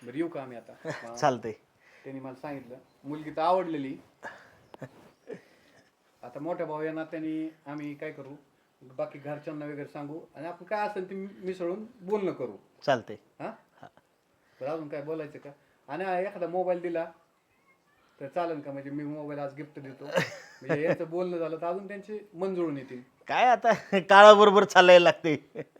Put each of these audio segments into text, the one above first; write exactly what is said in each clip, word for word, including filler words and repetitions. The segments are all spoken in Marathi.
बरं येऊ का आम्ही आता? चालतंय. त्यांनी मला सांगितलं मुलगी तर आवडलेली. आता मोठ्या भाऊ या नात्याने आम्ही काय करू, बाकी घरच्यांना वगैरे सांगू आणि आपण काय असेल ते मिसळून बोलणं करू. चालतंय. हा बरं अजून काय बोलायचं का? आणि एखादा मोबाईल दिला तर चालेल का? म्हणजे मी मोबाईल आज गिफ्ट देतो, म्हणजे याचं बोलणं झालं तर अजून त्यांचे मन जुळून येतील. काय आता काळाबरोबर चालायला लागते.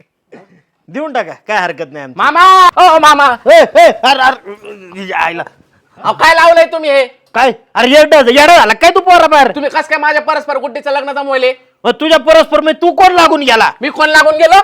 देऊन टाका, काय हरकत नाही. मामा ओ मामा ए, ए, अरे अरे आईला अहो काय लावलंय तुम्ही हे? काय? अरे येडा येडा झाला काय तू पोरा बाहेर? तुम्ही कस काय माझ्या परस्पर गुड्डीचं लग्न जमवले? मग तुझ्या परस्पर मी तू कोण लागून गेला? मी कोण लागून गेलो?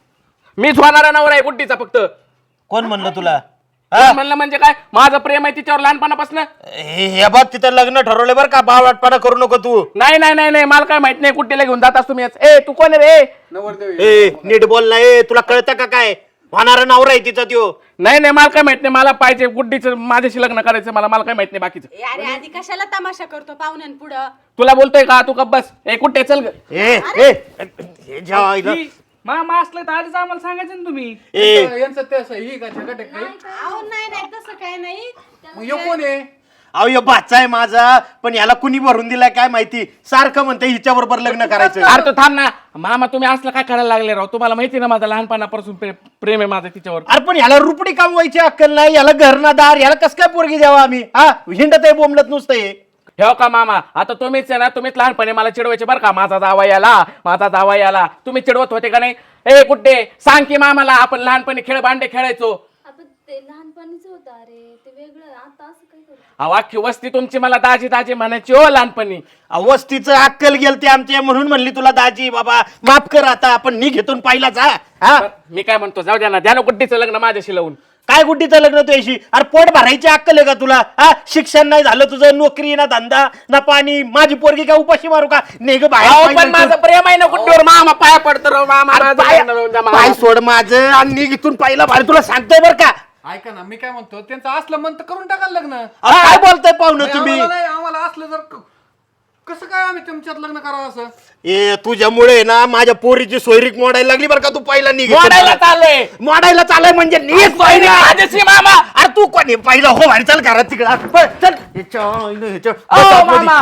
मीच होणारा नवरा आहे गुड्डीचा फक्त. कोण म्हणलं तुला? कोण म्हणलं म्हणजे काय? माझं प्रेम आहे तिच्यावर लहानपणापासून. हे हे बघ तिथं लग्न ठरवले बरं का, बावटपणा करू नको तू. नाही नाही नाही नाही मला काय माहित नाही गुड्डीला घेऊन जातास तुम्ही. ए तू कोण आहे रे? नवरदेव ए नीट बोल ना. ए तुला कळतं का काय? होणारा नवरा आहे तिचा त्यो. नाही नाही मला काय माहित नाही. मला पाहिजे गुड्डीचं, माझ्याशी लग्न करायचं. मला मला काय माहित नाही बाकीचं. ए, अरे आधी कशाला तमाशा करतो पाहुण्यान पुढं? तुला बोलतोय का? तू गप्प बस. ए कुठे चल ग. ए ए हे जेव्हा आईला- मामा असलं तर आधीच आम्हाला सांगायचं ना तुम्ही. ए यांचं ते असं ही का छगट आहे काय? अहो नाही नाही तसं काय नाही. मग ह्यो कोण आहे? अहो यो बाचा आहे माझा, पण याला कुणी भरून दिलाय काय माहिती. सारखं म्हणते हिच्या बरोबर लग्न करायचं. अरे तो थांब ना मामा. तुम्ही असलं काय करायला लागले राव? तुम्हाला माहिती ना माझं लहानपणापासून प्रे- प्रेम आहे माझं तिच्यावर. अरे पण याला रुपडी कामवायची अक्कल नाही, याला घरनादार, याला कस काय पोरगी द्यावा आम्ही? हा हिंडत आहे बोंबलत नुसतं हे. हो का मामा? आता तुम्हीच आहे ना, तुम्हीच लहानपणी मला चिडवायचे बरं का. माझा जावा याला, माझा जावा याला. तुम्ही चिडवत होते का नाही? ए कुठे सांग की मामाला, आपण लहानपणी खेळ भांडे खेळायचो. आपण ते लहानपणीच होतं अरे, ते वेगळं. आता असं काय करू? अहो अख्खी वस्ती तुमची मला दाजी दाजी म्हणायची हो लहानपणी. अवस्थीचं अक्कल गेलते आमच्या, म्हणून म्हणली तुला दाजी बाबा माफ कर. आता आपण नी घेतून पाहिला जा. हा मी काय म्हणतो, जाऊ द्या ना, द्या ना गुड्डीचं लग्न माझ्याशी लावून. काय गुड्डीचं लग्न तुझ्याशी? अरे पोट भरायची अक्कल आहे का तुला? हा शिक्षण नाही झालं तुझं, नोकरी ना धंदा ना पाणी. माझी पोरगी काय उपाशी मारू का? नेग अहो, बाहेर पण माझं प्रेम आहे ना गुड्डीवर. मामा पाया पडतो राव मामा. अरे माझं पाय लग्न लावून द्या मामा. पाय सोड माझं आणि नी घेतून पाहिला बाहेर. तुला सांगतोय बरं का. ऐका ना, मी काय म्हणतो, त्यांचं असलं मन तर करून टाकाल लग्न. अरे काय बोलताय पाहुणं नाही, तुम्ही? आम्हाला नाही, आम्हाला असलं जर क- कसं काय आम्ही तुमच्यात लग्न करावं असं? ए तुझ्यामुळे ना माझ्या पोरीची सोयरीक मोडायला लागली बरं का. तू पहिला निघ. मोडायला चाललोय. मोडायला चालय म्हणजे नीच सोयरीक माझ्याशी मामा. अरे तू कोणी पहिला हो बाहेर चल घरात तिकडं पळ, चल ह्याच्या आईनं ह्याच्या- अहो मामा.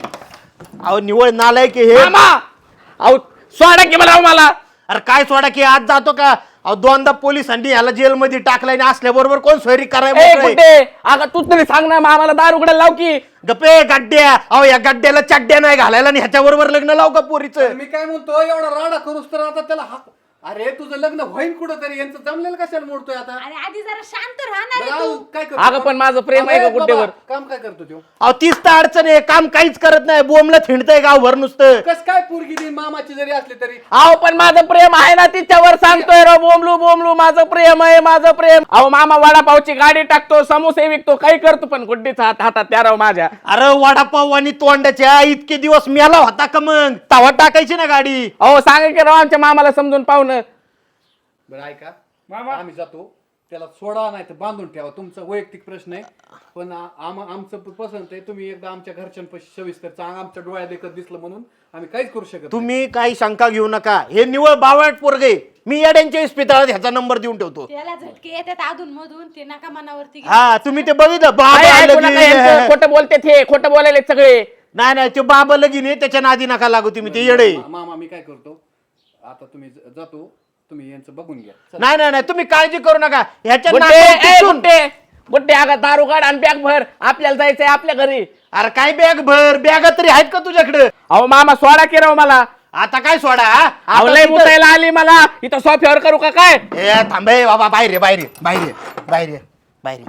अहो निवळ नालाय की हे. मामा अहो सोडा की मला. अहो, मला अरे काय सोडा की आज जातो का? अहो दोनदा पोलिसांनी ह्याला जेलमध्ये टाकलाय आणि असल्याबरोबर कोण सोयरी ए करायला? गुड्डे अगं तूच तरी सांग ना मामाला दार उघडायला लाव की. गप्पे गड्ड्या. अहो या गड्ड्याला चड्ड्या नाही घालायला आणि ह्याच्या बरोबर लग्न लाव का पोरीचं? मी काय म्हणतो, एवढा राडा करूस तर आता त्याला हा- अरे तुझं लग्न होईल कुठं तरी, यांचं जमलेलं कशाला मोडतोय आता? अरे आधी जरा शांत राहणार बरं, आहे अजून तू. काय करतो? अगं पण माझं प्रेम आहे का अरे बाबा, गुड्डेवर? काम काय करतो तो? अहो तीच तर अडचण आहे. काम काहीच करत नाही, बोंबलं थिंडतंय गावभर नुसतं. कस काय पोरगी देईन मामाची जरी असली तरी? अहो पण माझं प्रेम आहे ना तिच्यावर. सांगतोय राव बोमलू बोमलू माझं प्रेम आहे, माझं प्रेम. अहो मामा वडापावची गाडी टाकतो, समोसे विकतो, काही करतो, पण गुड्डीचा हात हातात त्या राव माझ्या. अरे वडापाव आणि तोंडाच्या इतके दिवस मेला होता का मग? तवा टाकायची ना गाडी. अहो सांगा की राव आमच्या मामाला समजून पाहुणं. बरं ऐका मामा. आम्ही जातो, त्याला सोडा नाही तर बांधून ठेवा, तुमचा वैयक्तिक प्रश्न आहे. पण आ- आम आमचं प- पसंत आहे. तुम्ही एकदा आमच्या घरच्यांपाशी सविस्तर चांग आमच्या डोळ्यात देखत दिसलं म्हणून आम्ही काहीच करू शकत नाही. तुम्ही काही शंका घेऊ नका. हे निवळ बावळट पोरगे. मी येड्यांच्या इस्पितळात ह्याचा नंबर देऊन ठेवतो. त्याला झटके येतात अधून मधून, ते नका मनावरती घेऊ. हा तुम्ही ते बघितलं बाबा काय ऐकू नका यांचं, लगीन. खोटं बोलते ते, खोटं बोलायले सगळे. नाही नाही ते बाबा लगीन आहे, त्याच्या नादी नका लागू तुम्ही. ते येडे. मा- मामा मी काय करतो आता, तुम्ही ज- जातो, तुम्ही यांचं बघून घ्या. चला. नाही नाही नाही तुम्ही काळजी करू नका. ह्याच्या गुड्डे नाकात ए, टिचून- गुड्डे गुड्डे अगं दारू काढ आणि बॅग भर, आपल्याला जायचंय आपल्या घरी. अरे काय बॅग भर बॅगा तरी आहेत का तुझ्याकडे? अहो मामा सोडा की राव मला. आता काय सोडा हा? अहो आता लय तिथं- मुतायला आली मला इथं. सोफ्यावर करू का काय? ए थांबे बाबा. बाहेर ये, बाहेर ये, बाहेर ये, बाहेर ये, बाहेर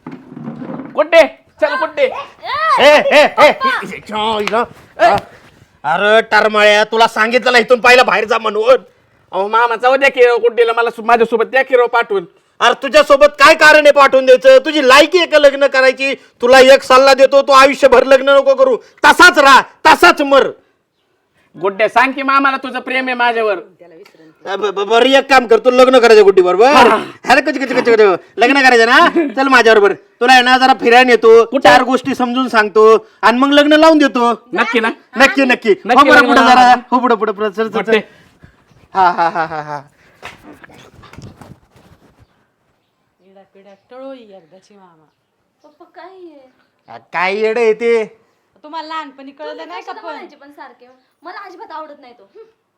ये. गुड्डे चल गुड्डे. ए, ए, ए, हि- च्या इला. हा. अरे टरमाळ्या तुला सांगितलं इथून पहिला बाहेर जा म्हणून. अहो मामा जाऊ द्या की राव गुड्डीला, मला सु- माझ्यासोबत द्या की राव पाठवून. अरे तुझ्यासोबत काय कारण आहे पाठवून द्यायचं? तुझी लायकी आहे का लग्न करायची? तुला एक सल्ला देतो, तू आयुष्यभर लग्न नको करू. तसाच राहा, तसाच मर. गुड्डे सांग की मामाला तुझं प्रेम आहे माझ्यावर. ब- ब- बरं एक काम कर, तू लग्न करायचं गुड्डी बरोबर. अरे कच कच कच लग्न करायचं ना? चल माझ्या बरोबर. तुला आहे ना जरा फिरायला नेतो, चार गोष्टी समजून सांगतो आणि मग लग्न लावून देतो. नक्की ना? नक्की नक्की. नक्की हो बरं लग्न पुढे लावा. जरा. हो पुढे पुढे पुढे चल चल चल. गुड्डे हा हा हा हा हा पिढ्या पिढ्या टळोई एकदाची मामा. पप्पा काय आहे? आ, काय येडं येते तुम्हाला लहानपणी कळलं नाही का कशाला पण? म्हणायचे पण सारखे मला अजिबात आवडत नाही तो हं.